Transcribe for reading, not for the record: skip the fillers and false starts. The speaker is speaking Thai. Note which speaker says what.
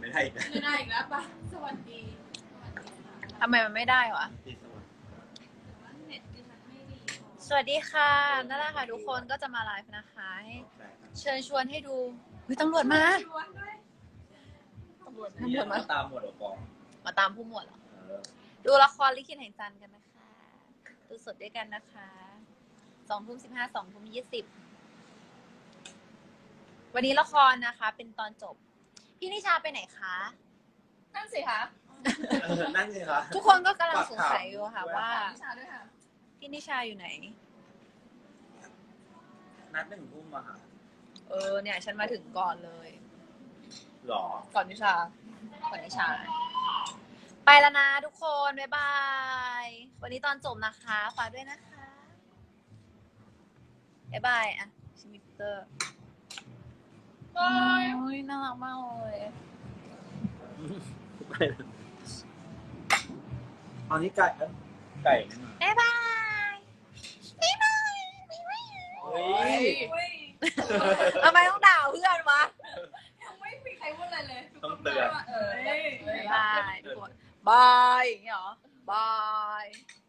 Speaker 1: ไม่ได้อีกนะ
Speaker 2: ไม่ได้อีกแล้วป่ะสวัสดีค่ะ
Speaker 3: ทำไมมันไม่ได้วะ
Speaker 1: ที่สวัสดี
Speaker 2: แต่ว่าเน็ตดิฉันไม่ดีพอ
Speaker 3: สวัสดีค่ะนั่นแหละค่ะทุกคนก็จะมาไลฟ์นะคะให้เชิญชวนให้ดูเฮ้ยตำรวจมา
Speaker 2: ชวนด้วย
Speaker 3: ตำรวจ
Speaker 1: เนี่ย
Speaker 3: มา
Speaker 1: ตามหมวดออกกอง
Speaker 3: มาตามผู้หมวดเหรอ ดูละครลิขิตแห่งจันทร์กันนะคะ ดูสดด้วยกันนะคะ20:15 20:20วันนี้ละครนะคะ เป็นตอนจบ พี่นิชาไปไหนคะ
Speaker 2: นั่นสิคะ
Speaker 1: นั่นไงคะ
Speaker 3: ทุกคนก็กำลังสงสัยอยู่ค่ะว่า
Speaker 2: นิชาด้วยค่ะ
Speaker 3: พี่นิชาอยู่ไหน
Speaker 1: นัด1 ทุ่มอะค่ะ
Speaker 3: เนี่ยฉันมาถึงก่อนเลย
Speaker 1: หรอ
Speaker 3: ก่อนนิชา ไปแล้วนะทุกคน บ๊ายบาย วันนี้ตอนจบนะคะฝากด้วยนะคะ บ๊ายบายอ่ะชิมิเตอร์
Speaker 2: บาย
Speaker 3: โอ้ยน่ารักมากเลย
Speaker 1: อันนี้ไก่ไก่นี่มา
Speaker 3: บ๊ายบายบ๊ายบายบ๊ายบาย
Speaker 1: เฮ้ย
Speaker 2: อุ้ย
Speaker 3: ทำไมต้องด่าเพื่อนวะ
Speaker 2: ยังไม่มีใครพูดอะไรเลย
Speaker 1: ต้องเตือน
Speaker 2: เอ้ย
Speaker 3: บ๊ายบายทุกคนบายอย่างเงี้ยเหรอบาย